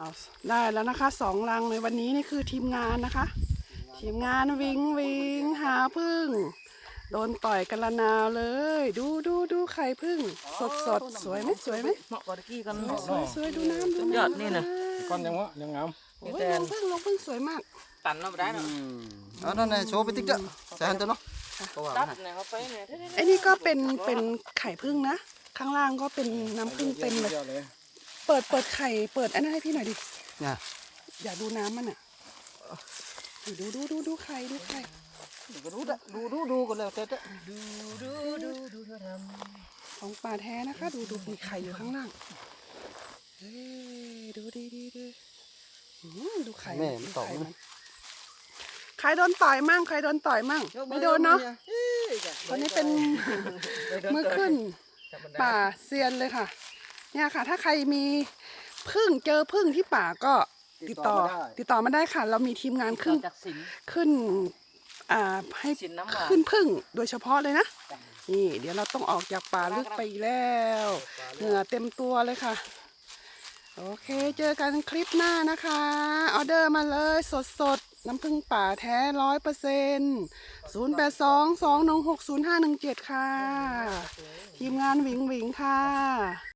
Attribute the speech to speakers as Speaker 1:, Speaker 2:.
Speaker 1: เอาได้แล้วนะคะ2 รังในวันนี้นี่คือทีมงานนะคะทีมงานวิงวิงหาพึ่งโดนต่อยกันละนาวเลยดูไข่พึ่งสดสวยไหมสวยไหม
Speaker 2: เหมาะกับตะกี้กัน
Speaker 1: สวยดูน้ำดู
Speaker 2: ยอด
Speaker 1: น้ำ
Speaker 2: นี่นะ
Speaker 3: ก้อนยังวะยังงาม
Speaker 1: โอ้ยลงพึ่งสวยมาก
Speaker 2: ตันเราไม่ได้เนาะ
Speaker 4: นั่นไงโชว์ไปติ๊กเด้อใส่หันตัวเนาะ
Speaker 2: ตัดเนี่ยเขาไปเนี่ย
Speaker 1: ไอ้นี่ก็เป็นไข่พึ่งนะข้างล่างก็เป็นน้ำพึ่งเต็มเลย
Speaker 3: เยอะเลย
Speaker 1: เปิดไข่เปิดอันนั้นให้พี่หน่อยดิ
Speaker 4: เนี่ย
Speaker 1: อยากดูน้ำมันอ่ะดูไข่ดูไข่
Speaker 4: ก็รู้ละดูกันแล้วแต่
Speaker 2: ดูเธอท
Speaker 1: ของป่าแท้นะคะดูมีไข่อยู่ข้างล่างเฮ้ยดูดีดูไข่
Speaker 4: แม่มันตอก
Speaker 1: ไข่
Speaker 4: นะ
Speaker 1: ใครโดนต่อยมั่งไม่โดนเนาะคนนี้เป็นมือขึ้นป่าเซียนเลยค่ะเนี่ยค่ะถ้าใครมีพึ่งเจอพึ่งที่ป่าก็ติดต่อมาได้ค่ะ เรามีทีมงาน
Speaker 2: ำ
Speaker 1: ขึ้นให้
Speaker 2: สินน้ำหวาน
Speaker 1: ขึ้นพึ่งโดยเฉพาะเลยนะนี่เดี๋ยวเราต้องออกจากป่าลึกไปอีกแล้วเหงื่อเต็มตัวเลยค่ะโอเคเจอกันคลิปหน้านะคะออเดอร์มาเลยสดน้ำผึ้งป่าแท้100%0822160517ค่ะทีมงานหวิงค่ะ